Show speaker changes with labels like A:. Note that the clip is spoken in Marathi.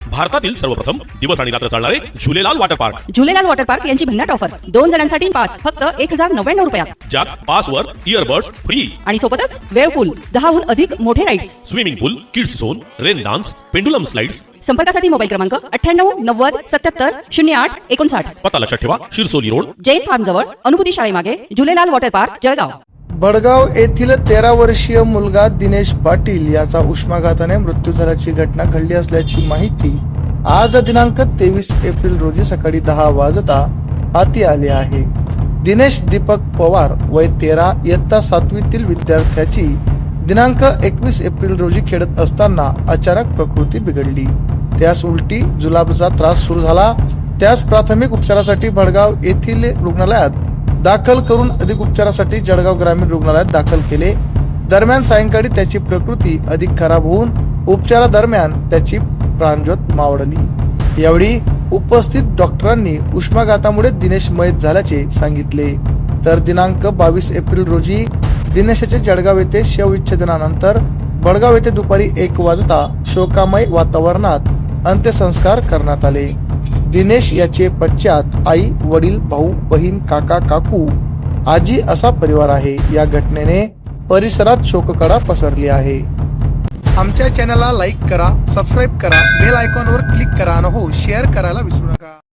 A: भारतातील सर्वप्रथम दिवस आणि रात्र चालणारे Jhulelal water park.
B: Jhulelal water park यांची भन्नाट ऑफर 2 जणांसाठी पास फक्त 1099 रुपयात.
A: ज्यात पासवर इयरबड्स फ्री
B: आणि सोबतच वेव पूल, 10हून अधिक मोठे rides,
A: swimming pool, kids zone, rain dance, pendulum slides.
B: संपर्कासाठी मोबाईल क्रमांक 98 90 77 08 59.
A: पत्ता लक्षात ठेवा, शिरसोली रोड,
B: जैन फार्म जवळ, अनुभूती शाळेमागे, झुलेलाल वॉटर पार्क, जळगाव.
C: भडगाव येथील 13 वर्षीय मुलगा दिनेश पाटील याचा उष्माघाताने मृत्यू झाल्याची घटना घडली असल्याची माहिती आज दिनांक 23 एप्रिल रोजी सकाळी 10 वाजता हाती आली आहे. दिनेश दीपक पवार वय 13 इयत्ता 7वीतील विद्यार्थ्याची दिनांक 21 एप्रिल रोजी खेळत असताना अचानक प्रकृती बिघडली. त्यास उलटी जुलाबचा त्रास सुरू झाला. त्यास प्राथमिक उपचारासाठी भडगाव येथील रुग्णालयात दाखल करून अधिक उपचारासाठी जळगाव ग्रामीण रुग्णालयात दाखल केले. दरम्यान सायंकाळी त्याची प्रकृती अधिक खराब होऊन उपचारादरम्यान त्याची प्राणज्योत मावळली. यावेळी उपस्थित डॉक्टरांनी उष्माघातामुळे दिनेश मयत झाल्याचे सांगितले. तर दिनांक 22 एप्रिल रोजी दिनेशाचे जळगाव येथे शवविच्छेदनानंतर भडगाव येथे दुपारी 1 वाजता शोकामय वातावरणात अंत्यसंस्कार करण्यात आले. दिनेश याचे पश्चात आई, वडील, भाऊ, बहीण, काका, काकू, आजी असा परिवार आहे. या घटनेने परिसरात शोककळा पसरली आहे. आमच्या चॅनलला लाईक करा, सबस्क्राईब करा, बेल आयकॉनवर क्लिक करा आणि हो शेअर करायला विसरू नका.